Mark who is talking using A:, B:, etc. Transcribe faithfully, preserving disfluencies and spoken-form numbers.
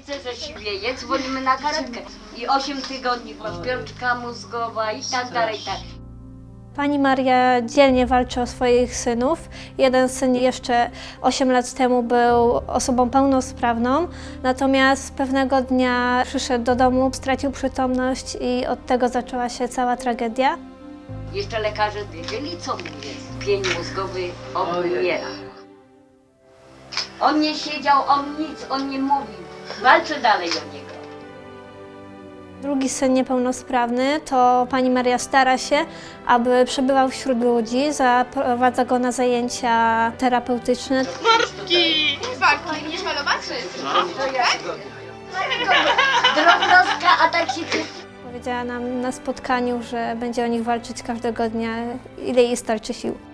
A: serce, że siwieje, dzwonimy na karetkę. I osiem tygodni śpiączka mózgowa i tak dalej, tak.
B: Pani Maria dzielnie walczy o swoich synów. Jeden syn jeszcze osiem lat temu był osobą pełnosprawną, natomiast pewnego dnia przyszedł do domu, stracił przytomność i od tego zaczęła się cała tragedia.
A: Jeszcze lekarze wiedzieli, co mu jest. Pień mózgowy obumiera. On nie siedział, on nic, on nie mówił. Walczę dalej o niego.
B: Drugi syn niepełnosprawny, to pani Maria stara się, aby przebywał wśród ludzi, zaprowadza go na zajęcia terapeutyczne.
C: Bartki! Bartki, będziesz malować?
A: To ja drobnostka, a tak się...
B: Powiedziała nam na spotkaniu, że będzie o nich walczyć każdego dnia, ile jej starczy sił.